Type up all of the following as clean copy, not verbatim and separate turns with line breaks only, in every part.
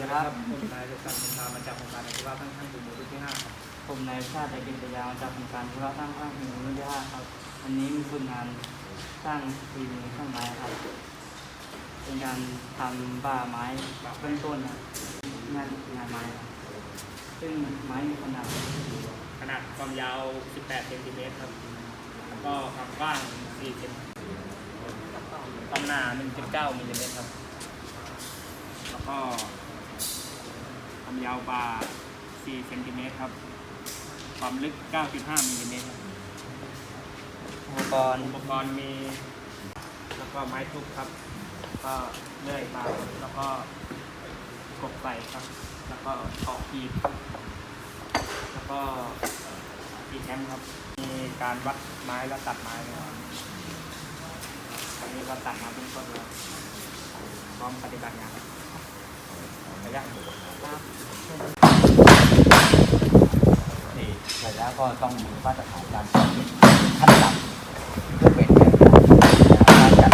ครับผมนายสุขันธ์พามาจากโครงการอาชีวะตั้งฝีมือรุ่นที่5ครับ
ผมนายชาติกิจยามาจากโครงการอาชีวะตั้งฝีมือรุ่นที่5ครับอันนี้มีผลงานสร้างฝีมือเครื่องไม้ครับเป็นการทำบ้าไม้เบื้องต้นงานไม้ครับซึ่งไม้มีขนาด
ความยาว18เซนติเมตรครับแล้วก็ความกว้าง4เซนความหนา1.9มิลลิเมตรครับแล้วก็ความยาวปลา4เซนติเมตรครับความลึก 9.5 มิลลิเมตรครับ
อุปกรณ์
มีแล้วก็ไม้ทุบครับก็เลื่อยปลาแล้วก็กบใส่ครับแล้วก็ตอกขีดแล้วก็ตีแคมครับมีการวัดไม้และตัดไม้นะครับตอนนี้เราตัดมาเป็นต้นแล้วพร้อมปฏิบัติงานระยะ
นี่เสร็จแล้วก็ต้องมีมาตรฐานการจัดขั้นต่ำเพื่อเป็นการจัด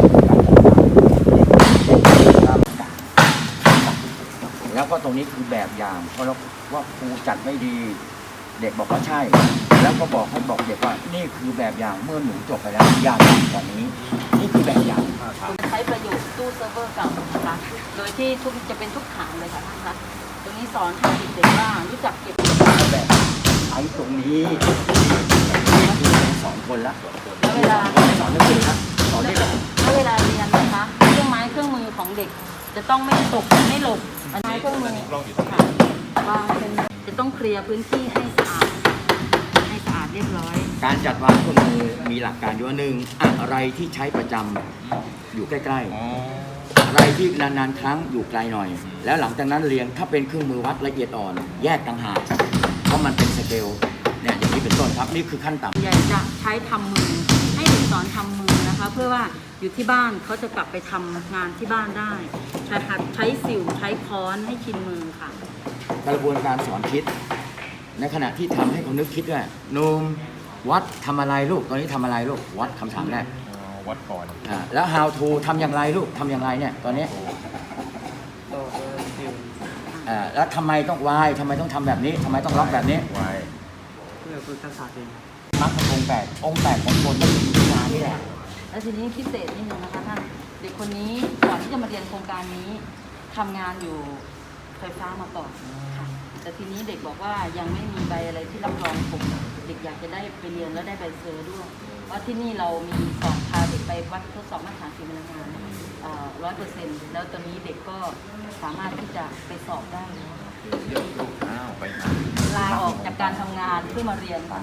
แล้วก็ตรงนี้คือแบบอย่างเพราะเราว่าครูจัดไม่ดีเด็กบอกว่าใช่แล้วก็บอกเด็กว่านี่คือแบบอย่างเมื่อหนูจบไปแล้วอย่าทำแบบนี้นี่คือแบบอย่าง
ใช้ประโยชน์ตู้เซิร์ฟเวอร์เก่านะคะโดยที่จะเป็นทุกฐานเลยค่ะท่านคะตรงนี้สอนให้เด็กๆว่ารู้จักเก็บ
แบบไอ้ตรงนี้คือสอนคนละ
แล้วเวลา
สอนนักเรียนนะสอนได้เลย
แล้วเวลาเรียนนะคะเครื่องไม้เครื่องมือของเด็กจะต้องไม่ตกไม่หล่นไม้เครื่องมือค่ะวางเป็นจะต้องเคลียร์พื้นที่ให้สะอาดเรียบร้อย
การจัดวางเครื่องมือมีหลักการอยู่ว่าหนึ่งอะไรที่ใช้ประจำอยู่ใกล้ๆอะไรที่นานๆครั้งอยู่ไกลหน่อยแล้วหลังจากนั้นเรียงถ้าเป็นเครื่องมือวัดละเอียดอ่อนแยกต่างหากเพราะมันเป็นสเกลเนี่ยอย่างนี้เป็นต้นครับนี่คือขั้นต่ำ
ใหญ่จะใช้ทำมือให้เด็กสอนทำมือนะคะเพื่อว่าอยู่ที่บ้านเขาจะกลับไปทำงานที่บ้านได้ใช้สิวใช้ค้อนให้ชินมือค่ะ
กระบวนการสอนคิดในขณะที่ทำให้เขานึกคิดว่านุ่มวัดทำอะไรลูกตอนนี้ทำอะไรลูกวัดคำถามแรก
วัดก่อน
แล้ว how to ทำอย่างไรลูกทำอย่างไรเนี่ยตอนนี้แล้วทำไมต้องวายทำไมต้องทำแบบนี้ทำไมต้องล็อกแบบนี้
วายเพื่อฝึกทักษะเอง
มรรคองค์แปดของคนต้องมีวิชานี่แหละ
แล้วทีนี้พิเศษนิดนึงนะคะท่านเด็กคนนี้ก่อนที่จะมาเรียนโครงการนี้ทำงานอยู่ไฟฟ้ามาก่อนค่ะแต่ทีนี้เด็กบอกว่ายังไม่มีใบอะไรที่รับรองผมเด็กอยากจะได้ไปเรียนแล้วได้ใบเซอร์ด้วยว่าที่นี่เรามีสอนพาเด็กไปวัดทดสอบมาตรฐานฝีมืองาน100%แล้วตอนนี้เด็กก็สามารถที่จะไปสอบได้ลาออกจากการทำงานเพื่อมาเรียนค่ะ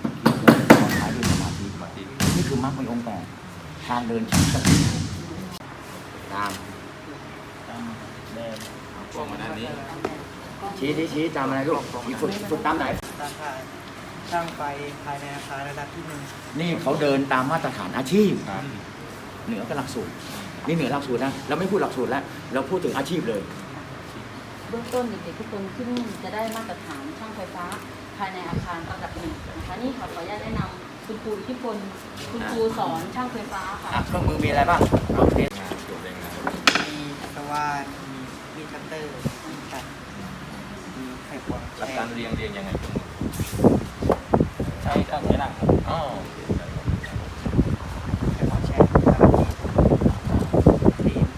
นี่คือมรรคองค์แปดทางเดินชั้นสติตาม
เดินกล้องมาด้านนี้
ชี้ตามอะไรลูกฝึกตามไหน
ช่างไฟภายในอาคารระดับที่1
นี่เขาเดินตามมาตรฐานอาชีพเหนือกับหลักสูตรนี่เหนือหลักสูตรนะเราไม่พูดหลักสูตรแล้วเราพูดถึงอาชีพเลย
เบื้องต้นเด็กๆทุกคนที่นี่จะได้มาตรฐานช่างไฟฟ้าภายในอาคารระดับ1นะคะนี่ขออนุญาตแนะนำคุณครูที่พลคุณครูสอนช่างไฟฟ้าค่ะ
เครื่องมือมีอะไรบ้าง
มีตะวันมีคัตเตอร์มีตัดมีไขควง
หลักการเรียงยังไง
ใช้เครื่องนี้แหละ
อ๋อ
ไขควงแช่ตีน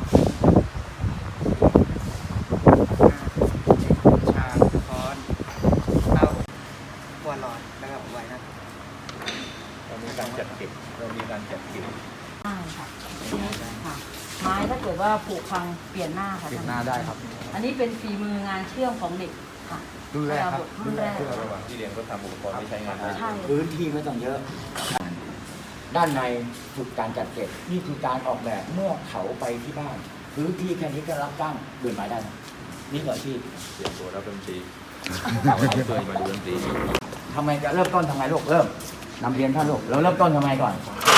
ชาค้อนเข้าหัวหลอดแล้วก็ไว้นะ
เรามีการจัดเก็บใ
ช่ค่ะไม้ถ้าเกิดว่าผุพังเปลี่ยนหน้าค่ะ
เปลี่ยนหน้าได้ครับ
อันนี้เป็นฝีมืองานเชื่อมของเด็กค่ะ
รุ่นแรกครับ
รุ่นแรก
ระหว่างที่เรียนก็ทำอุปกรณ์ที่ใช้งานได้
พื้นที่ไม่ต้องเยอะด้านในฝึกการจัดเก็บนี่คือการออกแบบเมื่อเขาไปที่บ้านพื้นที่แค่นี้ก็รับจ้างเดินไม้ได้นี่คืออาชีพ
เตรียมตัวรับดนตรีเคยมาดูดนตรี
ทำไมจะเริ่มต้นทำไงลูกเริ่มนำเรียนท่านลูกเราเริ่มต้นทำไงก่อน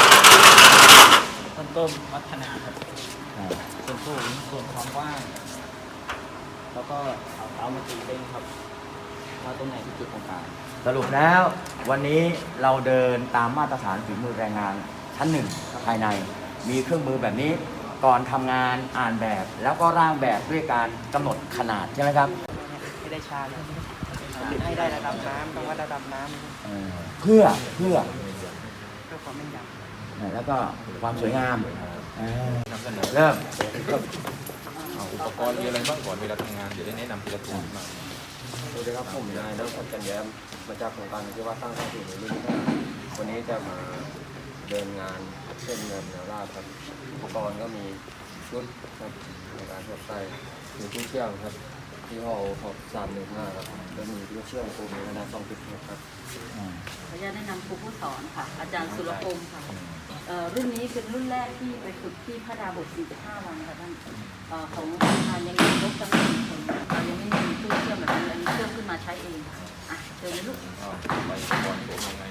ต้นวัฒนาครับส่วนสูงส่วนความกว้างแล้วก็เอาเท้ามาตีเล่นครับว่าตรงไหนที่จุดตรงกลาง
สรุปแล้ววันนี้เราเดินตามมาตรฐานฝีมือแรงงานชั้น1ภายในมีเครื่องมือแบบนี้ก่อนทำงานอ่านแบบ แล้วก็ร่างแบบด้วยการกำหนดขนาดใช่ไหมครับ
ให้ได้ชาเลยให้ได้ระดับน้ำต้องวัดระดับน้ำ
เพื่อ
เพื่อความแม่นยำ
แล้วก็ความสวยงามเริ่ม
เอาอุปกรณ์มีอะไรบ้างก่อนเวลาทำงานเดี๋ยวได้แนะนำทีละตัวมา
สวัสดีครับผมนายนพจันแย้มมาจากโครงการที่ว่าสร้างสร้างสิ่งในรุ่นที่วันนี้จะมาเดินงานเส้นเงินแนวราบครับอุปกรณ์ก็มีชุดครับในการทดใส่มีที่เชื่อมครับที่ห้อ315ครับแล้วมีที่เชื่อมโคมในขนาด2.6ครับ
ขออนุญาตแนะนำครูผู้สอนค่ะ อาจารย์สุรพงศ์ค่ะรุ่นนี้เป็นรุ่นแรกที่ไปฝึกที่พระดาบท45 วันค่ะท่านของโรงงานยังมียกจำนวนคนเรายังไม่มีตู้เชื่อมแบบนี้อันนี้เชื่อมขึ้นมาใช้เองอ่ะเดินเลยลูก
ไปก่อนผมยังไง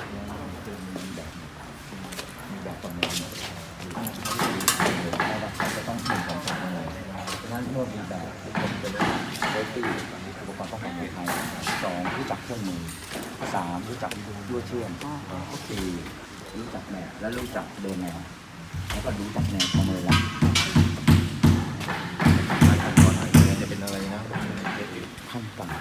มีแบบประเมินจะต้องมีของสารอะไรฉะนั้นเมื่อมีแบบเป็นเซฟตี้อุปกรณ์ป้องกันภัย2รู้จักเครื่องมือ3รู้จักยั่วเชื่อม4รู้จักแนวและรู้จักเดินแนวแล้วก็รู้จักแนวประเมินแล้ว
ขั้นตอนไหนจะเป็นอะไรนะ
ขั้นต่ำ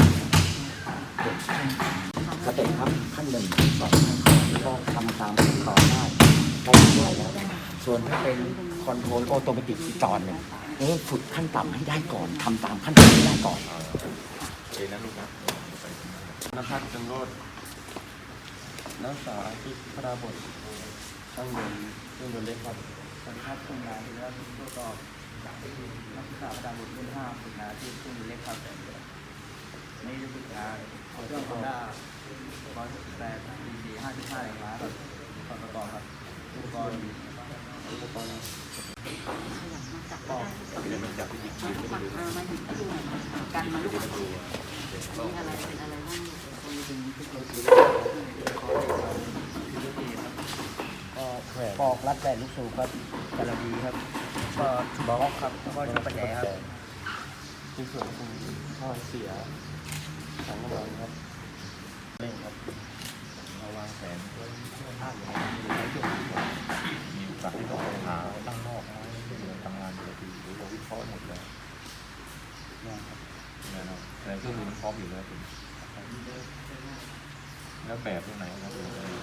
สเต็ปครับขั้น1 2 ขั้นแล้วก็ทำตามขั้นตอนได้ได้แล้วส่วนถ้าเป็นคอนโทรลออโตเมติกอีกตอนหนึ่งฝึกขั้นต่ำให้ได้ก่อนทำตามขั้นตอนให้ได้ก่อน
เอนะลูกนะ
นภัสจังโรดนักศึกษาที่พระดาบทช่างยนต์เครื่องยนต์เล็กครับ
สวัสดีครับผมนายธีรวัฒน์ผู้ประกอบนักศึกษาประจำบุตรรุ่น5ฝึกงานที่เครื่องมือเล็กครับนี่จะฝึกงานเครื่องคอนด้า168 cc 55 แรงม้าครับก่อนประกอบครับอุปกรณ์
ขยับมาจับ
ปอก
เดี๋ยวมันจับที่หยิบ
มาถึงก็ดูหน่อยกันมาลูกมีอะไรเป็นอะไรบ้าง
ก็ปอกรัดแบนลูกสูบครับกระดีครับก็บล็อกครับแล้วก็ชุดปัญแจครับ
ในส่วนของท่อเสียถังน้ำมันครับเร่งครับ
เราวางแผนภาพอย่างนี้ในช่วงที่มีโอกาสที่ต้องหาตั้งนอกทำงานอยู่ทีหรือเราวิเคราะห์หมดแล้วเนี่ยนะแต่เครื่องมือมันพร้อมอยู่แล้วคุณแล้วแบบตรงไหนครับ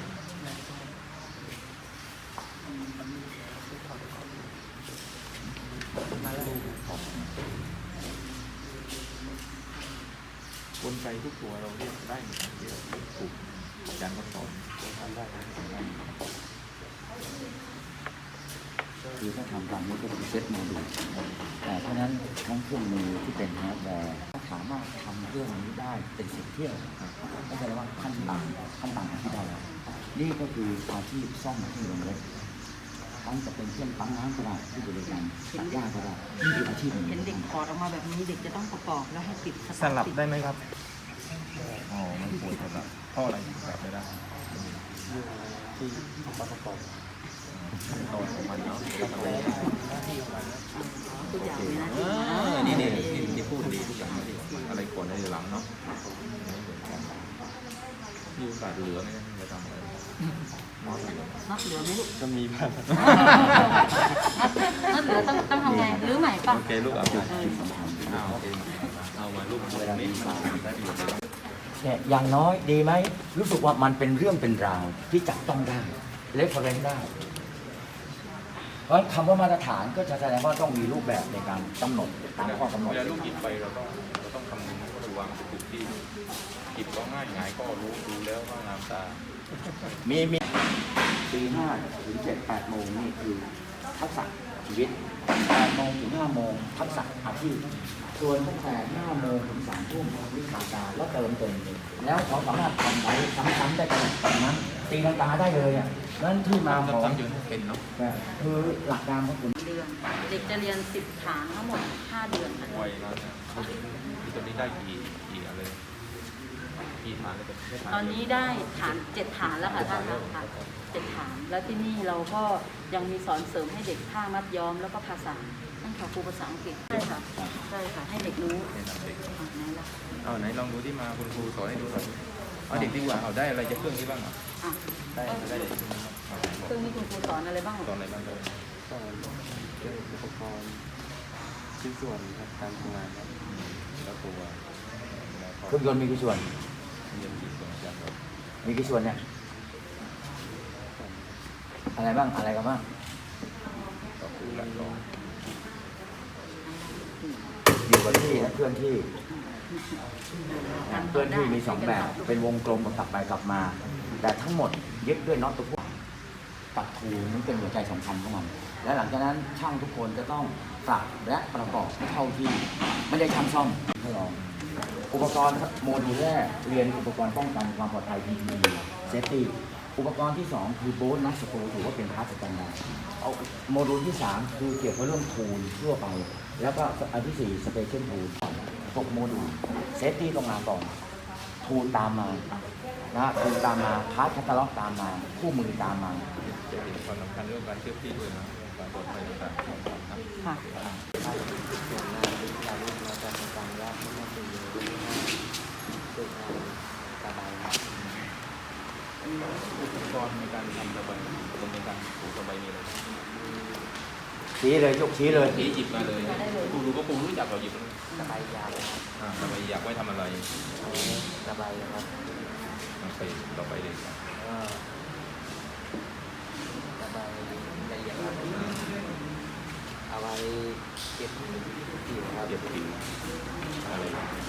กลไกทุกตัวเราเรียกได้หมดที่เราถูกอาจารย์ก็สอนทำได้
คือถ้าทำตามนี้ก็คือเซตโมดูลแต่เพราะฉะนั้นทั้งเครื่องมือที่เป็นฮาร์ดแวร์สามารถทำเรื่องนี้ได้เป็น10 เที่ยวก็แสดงว่าขั้นต่ำที่ได้แล้วนี่ก็คืออาชีพซ่อมเครื่องยนต์เล็กทั้งจะเป็นเครื่องปั๊มน้ำก็ได้ที่บริการตัดหญ้าก็ได้นี่คืออาชีพหนึ่ง
เห็นเด็กถอดออกมาแบบนี้เด็กจะต้องประกอบแล้วให้ติด
สลับได้ไหมครับ
อ๋อ มันปวดสลับเพราะอะไรถึงแบบไม่ได้
ที่ประกอบ
ตอนของมันเนาะ
ทุกอย่างเลยนะ
นี่พูดดีทุกอย่างดีอะไรก่อนอะไรหลังเนาะไม่เหมือนกันมีโอกาสเหลือไหมจะทำอะไรน้อยเหลือ
นับเหลือไหมลูก
ก็มีบ้าง
นับเหลือต้องทำไงหรือใหม่ป่ะ
โอเคลูกเอาโอเคเอามาลูกเวลานี้มันได้ประโยชน์
เนี่ยอย่างน้อยดีไหมรู้สึกว่ามันเป็นเรื่องเป็นราวที่จับต้องได้เรฟเฟอเรนซ์ได้เพราะคำว่ามาตรฐานก็จะแสดงว่าต้องมีรูปแบบในการกำหนดตามข้อกำหนด
เวลาลูกหยิบไปเราต้องคำนึงว่าระวังถูกที่หยิบก็ง่ายหงายก็รู้ดูแล้วว่างามตา
มีตี5 ถึง 7-8 โมงนี่คือทักษะชีวิต8 โมงถึง 5 โมงทักษะอาชีพส่วนตั้งแต่5 โมงถึง 3 ทุ่มวิชาการแล้วเติมเต็มแล้วเขาสามารถทำไปซ้ำๆได้ขนาดนั้นตีลังกาได้เลยอ่ะนั่นที่มาของ
ซ้ำๆจนเป็นเนาะ
คือหลักการของคุณ
เดือนเด็กจะเรียน10 ฐานทั้งหมด5 เดือนค่ะ
ไวแล้วเนี่ยที่ตอนนี้ได้กี่อะไรกี่ฐานเลยเป็น
ตอนนี้ได้ฐาน7 ฐานแล้วค่ะท่านค่ะ7 ฐานแล้วที่นี่เราก็ยังมีสอนเสริมให้เด็กท่ามัดย้อมแล้วก็ภาษานั่นค่ะครูภาษาอังกฤษใช่ค่ะให้เด็กรู้ไหนล่ะ
เอาไหนลองดูที่มาคุณครูสอนให้ดูหน่อยเอาเด็กดีกว่าเอาได้อะไรจากเครื่องนี้บ้างอ่ะ
อ่ะ
ได้เลย
เครื่องนี้คุณครูสอนอะไรบ้าง
สอนอะไรบ้างเลย
สอนเรื่องอุปกรณ์ชิ้นส่วนครับการทำงานครับ
แล้วตัวแล้วก็
เครื่องยนต์มีกี่ส่วน
เรียนกี่ส่วนจากเรา
มีกี่ส่วนเนี่ย อะไรบ้าง อะไรกันบ้าง
ก็คือหลักรอง
อยู่กับที่และเคลื่อนที่เคลื่อนที่มี2แบบ เป็นวงกลมกับกลับไปกลับมา แต่ทั้งหมดยึดด้วยน็อตตัวพวกตัดทูนั้นเป็นหัวใจสำคัญของมัน และหลังจากนั้นช่างทุกคนจะต้องปรับและประกอบเท่าที่ไม่ได้ช่างซ่อมให้ลองอุปกรณ์โมดูลแรกเรียนอุปกรณ์ป้องกันความปลอดภัย PPE Safety อุปกรณ์ที่ 2 คือโบนนักสกูถือว่าเป็นพาร์ทสแตนดาร์ดเอาโมดูลที่ 3 คือเกี่ยวกับเรื่องทูลทั่วไป แล้วก็อันที่ 4 Special Tool 6 โมดูล Safety ต้องมาก่อนทูลตามมาทูลตามมาพาร์ทแคตตาล็อกตามมาคู่มือตามมา
จะเห็นความสำคัญเรื่องการเชื่อมที่ด้วยนะการปลอดภัยต่างๆของเรานะ
ค่ะ
ส่วนงานที่เราเรียนมาจากโครงการว่าไม่น่าจะอยู่ที่ห้าตัวงานสบายครับ
อุปกรณ์ในการทำสบายคนในการปลูกสบายมีอะไร
ชี้เลยยกชี้เลย
ที่หยิบมาเลยครูรู้ก็ครูรู้จักเราหยิบมา
สบายยาวครับ
สบายอยากไว้ทำอะไร
สบายครับ
ไปต่อไปเลยครับ
ก็สบายละเอียดครับเอาไว้เก็บผิวครับ
เก็บผิวอะไร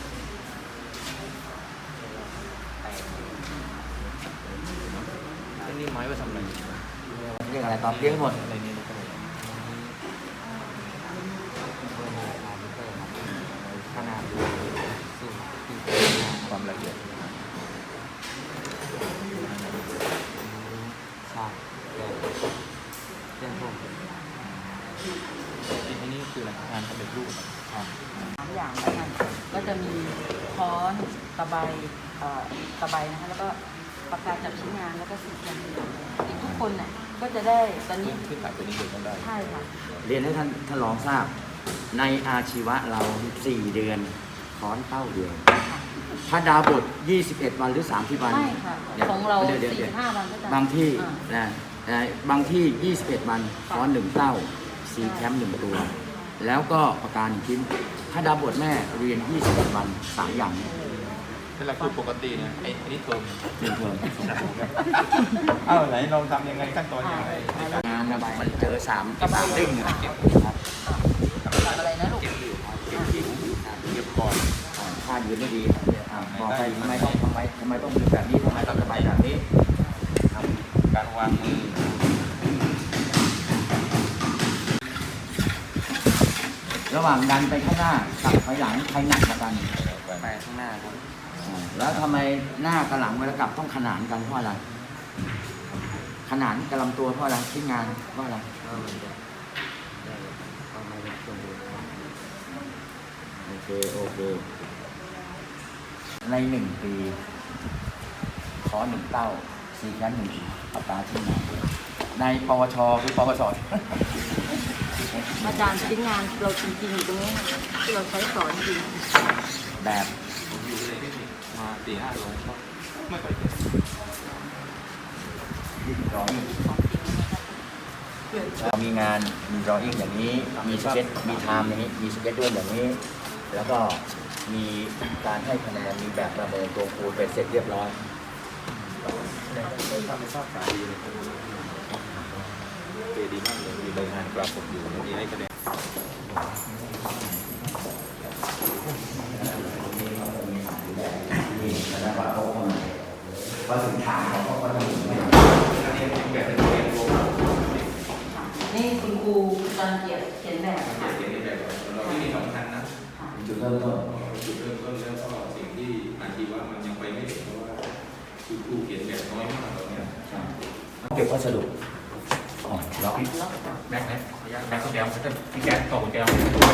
แต่
ต้นนี้ไม้ไว้ทำอะไร
เรียกอะไรตอบเรียกหมด
อะไรนี่ก็ได้
ขนาดสูงที่
ความละเอียด
ใช่แต่เรื่องพวก
อันนี้คืออะไรงานสำเร็จรูปครับ
3 อย่างแล้วกันก็จะมีค้อนตะไบตะไบนะคะแล้วก็ปากกาจับชิ้นงานแล้วก็สีเขียนทุกคนเนี่ยก็จะได้ตอนนี้
ขึ้นถ่ายตัวนี้เด็กต้องได้
ใช่ค่ะ
เรียนให้ท่านรองทราบ ในอาชีวะเรา 4 เดือนค้อนเต้าเดือนถ้าดาวบท 21 วันหรือ 30 วัน
ไม่ค่ะ
ดี๋ยว
ของเรา
ดี๋ยว
4-5 วันก็จะ
บางที่
อ่า
บางที่ 21 วันค้อน 1 เต้าซีแคมป์1 ตัว แล้วก็ประการ1ชิ้น ถ้าดาวบทแม่เรียน 21 วัน 3 อย่าง
เป็นหลักสูตรปกติเนี่ยไอ้นี่เทอม
หนึ่งเทอม
เอ้าไหนลองทำยังไงขั้นตอนยังไง
งานมันเจอ3ดิ้งครับ
อะไรนะลูก
เก็บก่อน
ถ้ายืนไม่ดีบอกไปทำไมต้องยืนแบบนี้ทำไมต้องสบายแบบนี้
การวางมือ
ระหว่างดันไปข้างหน้ากับถอยหลังใครหนักกว่ากัน
ไปข้างหน้าครับ
แล้วทำไมหน้ากับหลังเวลากลับต้องขนานกันเพราะอะไร ขนานกับลำตัวเพราะอะไรชิ้นงานเพราะอะไร
ก็มันจะได้ความไม่สมบูรณ์ครับ
โอเคใน1 ปีขอ1 เต้าซีแคมป์1ปากกาชิ้นงานในปวชคือปวช
อาจารย์ชิ้นงานเราจริงๆอยู่ตรงนี้ค่ะที่เราใช้สอนจริง
แบบ
ผมอยู่ในเทคนิคมา4-5 โลก็ไม่ค่อยเก่ง
drawing เรามีงานมี drawing อย่างนี้มีสเก็ตมีไทม์อย่างนี้มีสเก็ตด้วยอย่างนี้ แล้วก็มีการให้คะแนนมีแบบประเมินตัวครูเป็นเสร็จเรียบร้อย
ทำให้ทราบการดีเลยเกดีมากเลยมีรายงานปรากฏอยู่มีให้คะแนน
นี่แล้วก็เขาก็พอถึงฐานเขาก็จะถึงไม่
นี่คุณครูรังเกียจเขียนแบบค่ะ
เราไม่มีสำคัญนะ
จุดเริ่มต้น
จุดเริ่มต้นแล้วก็สิ่งที่อาชีวะมันยังไปไม่ถึงเพราะว่าคือครูเขียนแบบน้อยมากตอนนี้
เก็บวัสดุล็อก
แม็กก็เดียวจะพี่แก๊สต่อแก้ว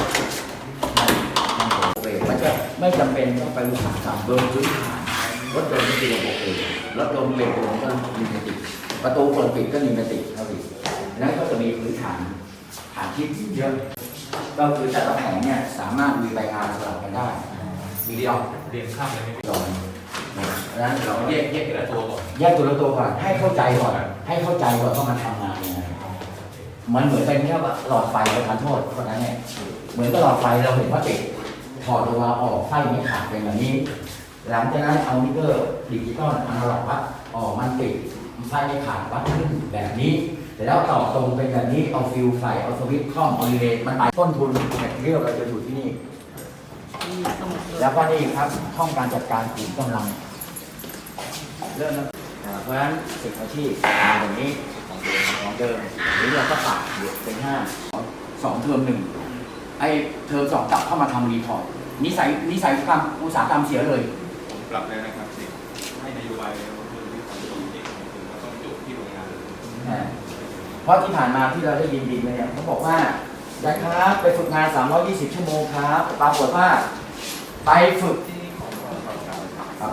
มันจะไม่จำเป็นต้องไปรู้จักเบอร์พื้นฐานรถยนต์ก็คือระบบเองรถยนต์เบรกลงก็มีเมติกประตูเปิดปิดก็มีเมติกเท่านี้นั้นก็จะมีพื้นฐานที่เยอะก็คือแต่ละแผงเนี่ยสามารถมีใบงานสลับกันได้มีล็อก
เรียนข้ามเลยไม่
จอยนั้นเราแยก
แต่ละตัวก่อน
ตัวก่อนให้เข้าใจก่อนว่ามันทำงานยังไงมันเหมือนเป็นเนี่ยว่าหลอดไฟประทานโทษคนนั้นเนี่ยเหมือนกับหลอดไฟเราเห็นว่าติดถอดตัวออกไส้ไม่ขาดเป็นแบบนี้ หลังจากนั้นเอามิเตอร์ดิจิตอลอนาล็อกวัดออกมันติดไส้ไม่ขาดวัดขึ้นแบบนี้แต่แล้วต่อตรงเป็นแบบนี้เอาฟิวใส่เอาสวิตช์คล่อมเอารีเลย์มันไปต้นทุนแมทเทียลเราจะอยู่ที่นี่
มีสมุดเลย
แล้วก็นี่ครับห้องการจัดการขุมกำลังเริ่มแล้วเพราะฉะนั้นศึกอาชีพมาอย่างนี้ของเดิมนี้เราก็ปรับเป็น2 เทอม 1ไอ้เทอม 2กลับเข้ามาทำรีพอร์ตนิสัยกรรมอุตสาหกรรมเสียเลย
ผมปรับแล้วนะครับสิให้นโยบายแล้วคือที่ของตรงที่ถึงว่าต้องจุที่โรงงานเลย
เพราะที่ผ่านมาที่เราได้ยินดีเนี่ยเขาบอกว่าได้ครับไปฝึกงาน320 ชั่วโมงครับปรากฏว่าไปฝึกครับ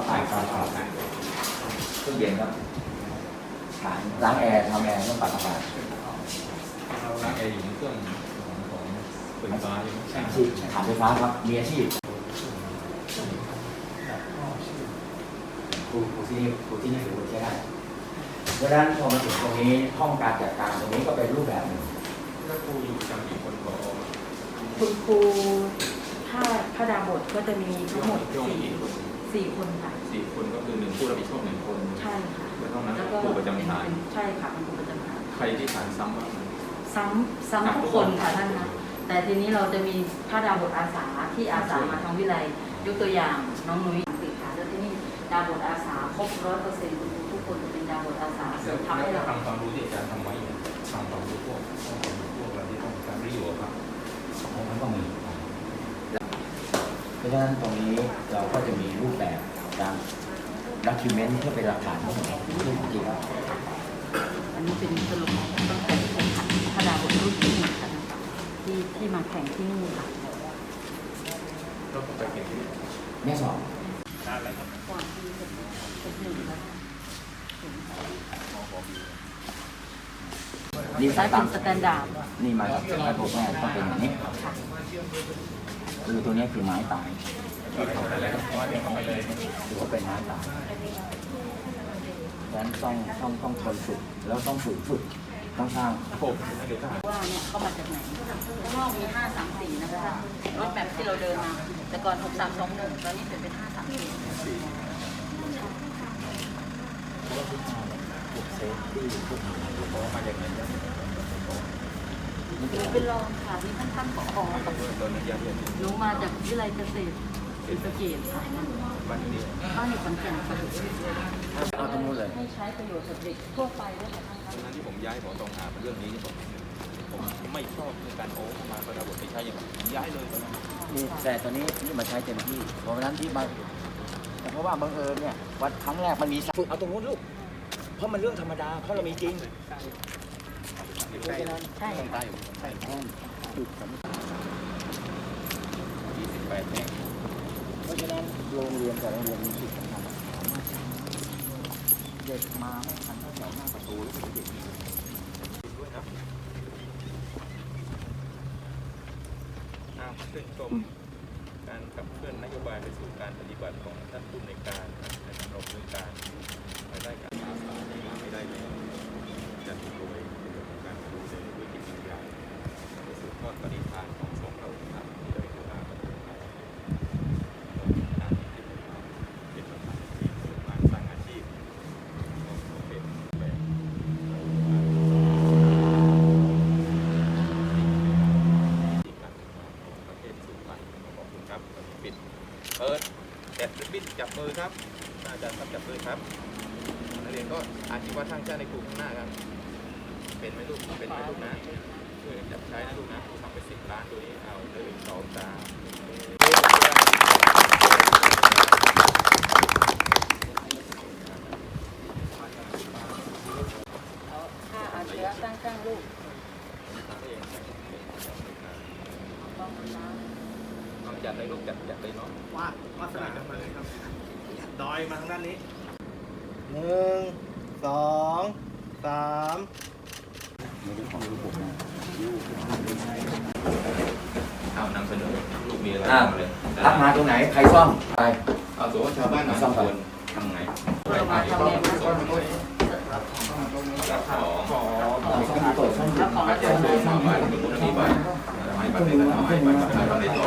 เครื่องเย็นครับล้างแอร์ทำแอร์ต้องปรับอากาศ
เราล้างแอร์อยู่ในเครื่องของไฟฟ้าอยู่
อาชีพฐานไฟฟ้าครับมีอาชีพครูที่นี่ถือว่าใช้ได้เพราะฉะนั้นพอมาถึงตรงนี้ห้องการจัดการตรงนี้ก็เป็นรูปแบบหนึ่ง
แล้วครูอยู่ประจำกี่คนพอ
คุณครูถ้าดาบทก็จะมีทั้งหมด
ช่วงกี่คน
4 คนค่ะ
4 คนก็คือ1ผู้รับผิดชอบ1 คน
ใช่ค่ะ
แล้วนอกนั้น
แล้วก็
ครูประจำฐาน
ใช่ค่ะเป็นครูประจำฐาน
ใครที่ฐานซ้ำบ้าง
ซ้ำทุกคนค่ะท่านนะแต่ทีนี้เราจะมีผ้าดาวบทอาสาที่อาสามาทางวิไลยกตัวอย่างน้องนุ้ยติดค่ะแล้วที่นี่ดาวบทอาสาครบ100%ทุกคนจะเป็นดาวบทอาสาทำให้เรา
ทำความรู้ที่อาจารย์ทำไว้ทำความรู้พวกอะไรที่ต้องการประโยชน์ครับ
มันก็มีเพราะฉะนั้นตรงนี้เราก็จะมีรูปแบบการด็อกิเมนต์เพื่อเป็นหลักฐานทั้งหมดที่จริงแล้ว
อันนี้เป็นสรุปตั้งแต่ที่แข่งขันผ้าดาวบทรุ่นที่1ค่ะที่มาแข่งที่นี่ค่ะ
ก็ไปเก่งที่
แม่สอบ
ก่อนที่จะเป็น1ค่ะ
นี่
ใช้
สาย
เป็
ตาน
สแตนดาร์ด
นี่มาจากไม้โบแม่ต้องเป็นอย่างนี้คือตัวนี้คือไม้ตายถือว่าเป็นไม้ตายดังนั้นต้องทนฝึกแล้วต้องฝึกต้องสร้าง
ว่าเนี่ยเข้ามาจากไหนข้างนอกมี534นะคะรถแบบที่เราเดินมาแต่ก่อน6321ตอนนี้เปลี่ยนเป็นเป็นรองค่ะนี่ท่านผอกับหนูมาจากวิไลเกษตรศรีสะเกษค่ะบ้านอยู่ขอนแก่นค่ะ
เอาตรงนู้นเลย
ให้ใช้ประโยชน์กับเด็กทั่วไปด้วยค่ะท่าน
ตอนนั้นที่ผมย้ายหมอตรงหาเรื่องนี้ผมไม่ชอบในการโอ้มาประดับบทไปใช้อย่างผมย้ายเลยตอนนั้น
นี่แต่ตอนนี้นี่มาใช้เต็มที่เพราะฉะนั้นที่มาเพราะว่าบังเอิญเนี่ยวันครั้งแรกมันมีฝึกเอาตรงนู้นลูกเพราะมันเรื่องธรรมดาเพราะเรามีจริง
ใช่ค่ะ
ใช่ห้องฝึกสำคัญ
28แห่ง
เพราะฉะนั้นโรงเรียนแต่โรงเรียนมีจุดสำคัญเด็กมาไม่ทันตั้งแต่หน้าประตูแล้วเด็ก
ด้วยนะชื่นชมการขับเคลื่อนนโยบายไปสู่การปฏิบัติของท่านผู้ในวยการในการดำเนินการภายใต้การอาสาที่มาไม่ได้แล้วจะถูกโดยการดูแลด้วยจิตวิญญาณไปสู่ทอดปฏิภาณของสงฆ์เราครับที่ได้กระทำการที่เป็นประธานที่เปิดบ้านสร้างอาชีพของเป็นแบบประเทศสู่ไปขอบคุณครับปิดเปิดแอบริบบิ้นจับมือครับอาจารย์ครับจับมือครับนักเรียนก็อาชีวะทางชาติในกลุ่มข้างหน้าครับเป็นไหมลูกเป็นไหมลูกนะช่วยจับใช้นะลูกนะทำไป10 ล้านตัวนี้เอา1 2 3
เอาค่าอาเชื้อตั้งลูกต้องน้ำ
น้องจัดเลยลูกจัดเลยเนาะ
วาสนามาเลยครับดอยมาทางด้านนี้
1 2 3
เอานำเสนอลูกมีอะไร
อ่ะ
ทำเลย
รับมาตรงไหนใครซ่อมไป
เอาสมมติชาวบ้านมาควรทำไง
เรามาทำเองนะ
รับของ
มีข้อมูลตรวจ
แล้วของอาจารย์
มาบ้านตรงนู้นมีบ้านไม้บ้านเล็กกับไม้บ้านทำในต่อ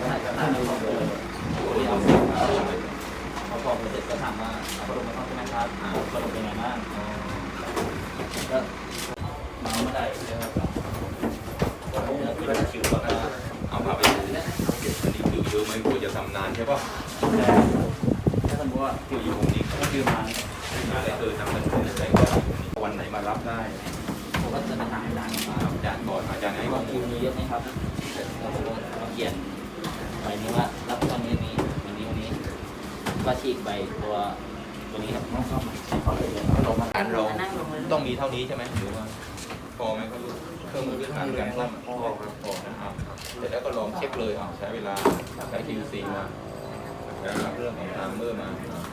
พอพอเสร็จก็ถามว่าพัดลมมาเข้าใช่ไหมครับพัดลมเป็นไงบ้างก็มาไม่ได้เลยครับก็คิวว่า
เอาพาไปดูอันนี้คิวเยอะไหมกลัวจะทำนานใช่ป่ะ
ถ้าสมมติว่าคิวอยู่ตรงนี้ก็คิวมา
อะไรทำกันอะไรก็วันไหนมารับได้
ผมก็จะมาถามอาจารย์ว่า
อาจารย์ก่อนอาจารย์ให้ข้
ว่า
อมู
คิว
ล
มีเยอะไหมครับแล้วผมก็มาเขียนใบนี้ว่ารับตอนนี้วันนี้ก็ฉีกใบตัวนี้ครับต้องเข้ามา
เราต้องมีเท่านี้ใช่ไหมหรือว่าพอไหมครับเครื่องมือพื้นฐานการซ่อมพอครับพอนะครับเสร็จแล้วก็ลองเช็คเลยใช้เวลาใช้ QC มาแล้วรับเรื่องของทามเมอร์มา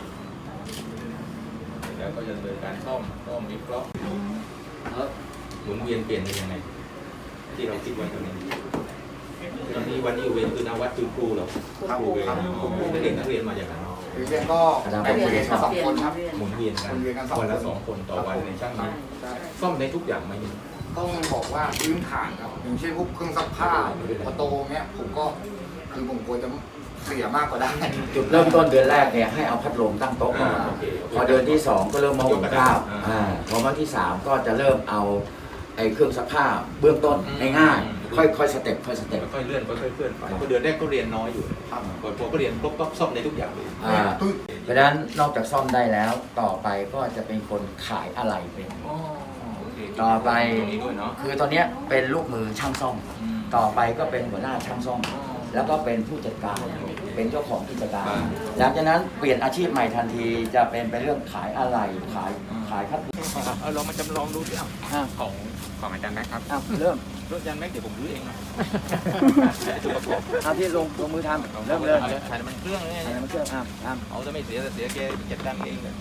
แล้วก็จะดำเนินการซ่อมวิเคราะห์
แล้ว
หมุนเวียนเปลี่ยนเป็นยังไงที่เราคิดไว้ตรงนี้ตอนนี้วันนี้เวนคือนาวัดคือครูเหรอครูเวนนักเรียนมาอย่างนั้น
เรียนก็ได้เรียนกัน2 คนครับ
หมุนเวียนกันวันละ2 คนต่อวันในช่างนี้ซ่อมในทุกอย่างไหม
ต้องบอกว่าพื้นฐานครับอย่างเช่นพวกเครื่องซักผ้าประตูเนี้ยผมก็คือผมกลัวจะเสียมากกว่าได้
จุดเริ่มต้นเดือนแรกเนี่ยให้เอาพัดลมตั้งโต๊ะก่อนพอเดือนที่ 2 ก็เริ่มมาหุงข้าวพอวันที่ 3 ก็จะเริ่มเอาไอ้เครื่องซักผ้าเบื้องต้นง่ายๆค่อยๆสเต็ปค่อยๆ
เลื่อนค่อยๆเคลื่อนไปเดือนแรกก็เรียนน้อยอยู่พอก็เรียนครบก็ซ่อมในทุกอย่างเลย
เพราะฉะนั้นนอกจากซ่อมได้แล้วต่อไปก็จะเป็นคนขายอะไรเป็นต่อไปคือตอนนี้เป็นลูกมือช่างซ่อมต่อไปก็เป็นหัวหน้าช่างซ่อมแล้วก็เป็นผู้จัดการเป็นเจ้าของกิจการหลังจากนั้นเปลี่ยนอาชีพใหม่ทันทีจะเป็นเรื่องขายอะไรขายครับ
เรามาจำลองดูสิของอาจารย์แม็กครับ
เริ่ม
รถอาจารย์แม็กเดี๋ยวผมรื้อเองนะจุดประกอบ
เอาที่ลงมือทำเริ่มเลย
ถ่ายมันเครื่องเลย
อะไรมันเครื่อง
เอาจะไม่เสียแกจัดการเองเลย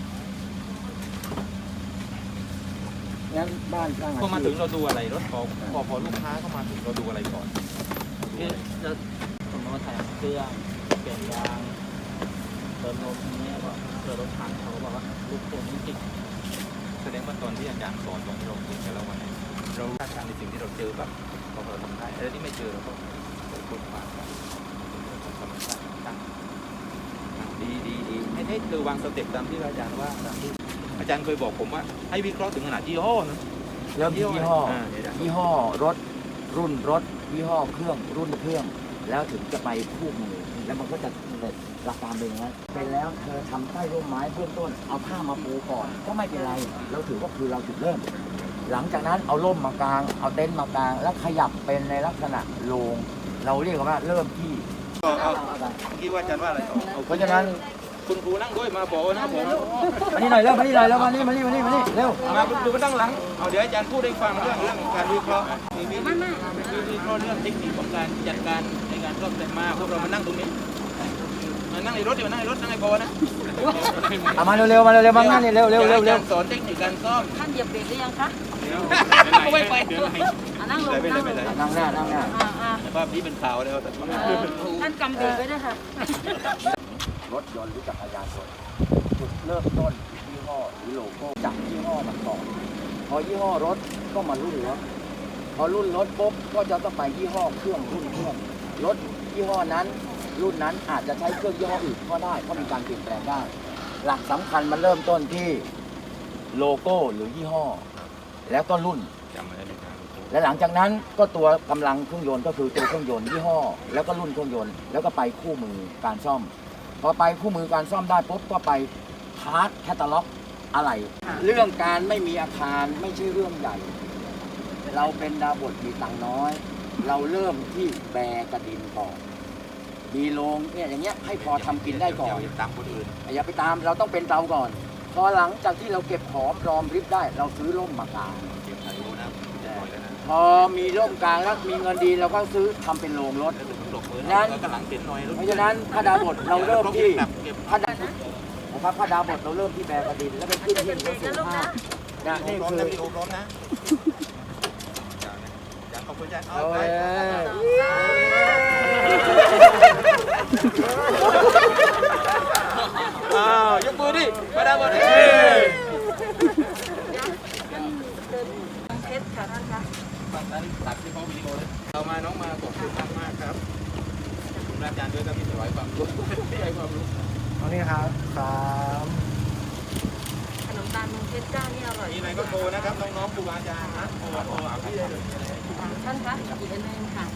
งั้นบ้านสร้าง
พอมาถึงเราดูอะไรรถพอลูกค้าเข้ามาถึงเราดูอะไรก่อน
คือจะสมมติว่าถ่ายเครื่องเปลี่ยนยางเติมลมนี้ก็เกิดรถถังเขาบอกว่าลูกโป่งนี่ติด
แสดงว่าตอนที่อาจารย์สอนตอนที่เราเรียนแต่ละวันเราคาดการณ์ในสิ่งที่เราเจอแบบพอเราทำได้อะไรที่ไม่เจอเราก็ค้นคว้าธรรมชาติตั้งดีให้เธอวางสเต็ปตามที่อาจารย์ว่าตามที่อาจารย์เคยบอกผมว่าให้วิเคราะห์ถึงขนาดยี่ห้อนะ
เริ่มที่ยี่ห้อรถรุ่นรถยี่ห้อเครื่องรุ่นเครื่องแล้วถึงจะไปคู่มือแล้วมันก็จะเกิดหลักการเป็นอย่างนั้นเป็นแล้วเธอทำใต้ร่มไม้เบื้องต้นเอาผ้ามาปูก่อนก็ไม่เป็นไรเราถือว่าคือเราจุดเริ่ม หลังจากนั้นเอาร่มมากางเอาเต็นท์มากางแล้วขยับเป็นในลักษณะโรงเราเรียกว่าเริ่มที่
คิดว่าอาจารย์ว่าอะไร
เพราะฉะนั้น
คุณครูนั่งด้วยมาบอกนะผม
มานี่หน่อยเร็วมานี่หน่อยเร็วมานี่เร็ว
มาคุณครูมาตั้งหลังเอาเดี๋ยวอาจารย์พูดให้ฟังเรื่องการวิเคราะห์มีวิเคราะห์เรื่องเทคนิคของการจัดการในการซ่อมแต่มาพวกเรามานั่งตรงนี้มานั่งในรถเดี๋ยวนั่งในรถนั่งในพอนะ
เอามาเร็วมานั่งนี่เร็ว
สอนเทคนิคการซ่อม
ท่านเหยียบเบรกหรือยังคะ
ไม่ไป
นั่งลง
นั่งหน้า
แต่ภาพนี้เป็นข่าวแล้วแต่
ท่านกำเบรกไว้ด้วยค่ะ
รถยนต์หรือจักรยานยนต์จุดเริ่มต้นยี่ห้อหรือโลโก้จากยี่ห้อมันก่อนพอยี่ห้อรถก็มารุ่นรถพอรุ่นรถปุ๊บก็จะต้องไปยี่ห้อเครื่องรุ่นเครื่องรถยี่ห้อนั้นรุ่นนั้นอาจจะใช้เครื่องยี่ห้ออื่นก็ได้เพราะมีการเปลี่ยนแปลงได้หลักสำคัญมันเริ่มต้นที่โลโก้หรือยี่ห้อแล้วก็รุ่น
จำไว้ได้ไหมครับ
และหลังจากนั้นก็ตัวกำลังเครื่องยนต์ก็คือตัวเครื่องยนต์ยี่ห้อแล้วก็รุ่นเครื่องยนต์แล้วก็ไปคู่มือการซ่อมพอไปคู่มือการซ่อมได้ปุ๊บก็ไปพาร์ทแคตตาล็อกอะไรเรื่องการไม่มีอาคารไม่ใช่เรื่องใหญ่เราเป็นดาวบทมีตังน้อยเราเริ่มที่แบกระดินก่อนดีโรงเนี่ยอย่างเงี้ยให้พอทำกินได้ก่อน
อย่าตามคนอื่น
อย่าไปตามเราต้องเป็นเราก่อนพอหลังจากที่เราเก็บหอมรอมริบได้เราซื้อร่มมากาง
เก็บถ่ายรูปนะปล่อยแล้วนะ
พอมีร่มกลางแล้วมีเงินดีเราก็ซื้อทำเป็นโรงรถ
หลบมือแล้วก็หลังเต็นหน่อย
เพราะฉะนั้นพระดาบทเราเริ่มที่พระดานะครับพระดาบทเราเริ่มที่แบกระดินแล้วไปขึ้นที่รถสูงห้านี่
ร้อน
คือ
นะมีโอร้อนนะอย่างขอบคุณอาจารย์เอาไปยกมือดิมาดามดิ
เพชรค่ะท่านคะ
ตัดที่เขาวิดีโอเลยเรามาน้องมาขอบคุณมากครับขอบคุณอาจารย์ด้วยครับที่สอนความรู้ที่ให้ความรู้
เอานี่ครับสาม
ขนมตาลเมืองเพชรเจ้านี่อร่อย
มีอะไรก็โทรนะครับน้องๆครูอาจารย์นะโทรเอาพี่ได้เลย
ท่านคะอีกอันหนึงค่ะ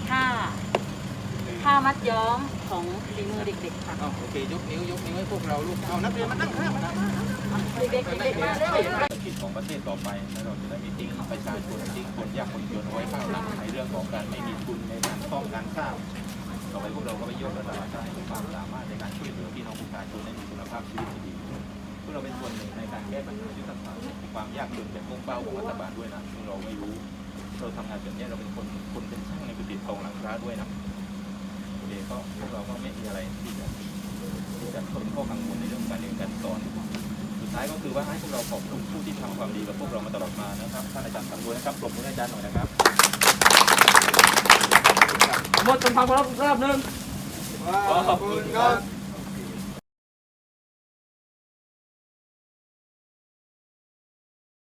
ผ้ามัดย้อมของฝีมือเด็กๆค่ะ
โอเคยกนิ้วให้พวกเราลูกเอานักเรียนมานั่งข้างมานั่ง
เด็กๆเด็กๆมาเร็ว
คิดของประเทศต่อไปแล้วเราจะได้มีทิ้งประชาชนทิ้งคนยากคนจนเอาไว้ข้างหลังในเรื่องของการไม่มีทุนในการป้องกันข้าวต่อไปพวกเราก็ไปยกระดับความสามารถในการช่วยเหลือพี่น้องประชาชนให้มีคุณภาพชีวิตที่ดีพวกเราเป็นส่วนหนึ่งในการแก้ปัญหายุทธศาสตร์ความยากจนเป็นมุ่งเป้าของรัฐบาลด้วยนะซึ่งเราไม่รู้เราทำงานแบบนี้เราเป็นคนเป็นช่างในกุฏิทองหลังคาด้วยนะโอเคก็พวกเราก็ไม่มีอะไรที่จะเป็นข้อกังวลในเรื่องการเรียนการสอนสุดท้ายก็คือว่าให้พวกเราขอบคุณผู้ที่ทำความดีกับพวกเรามาตลอดมานะครับท่านอาจารย์สำรวยนะครับปรบมือให้อาจารย์หน่อยนะครับ
หมดจนฟังรอบนึง
ขอบคุณครับ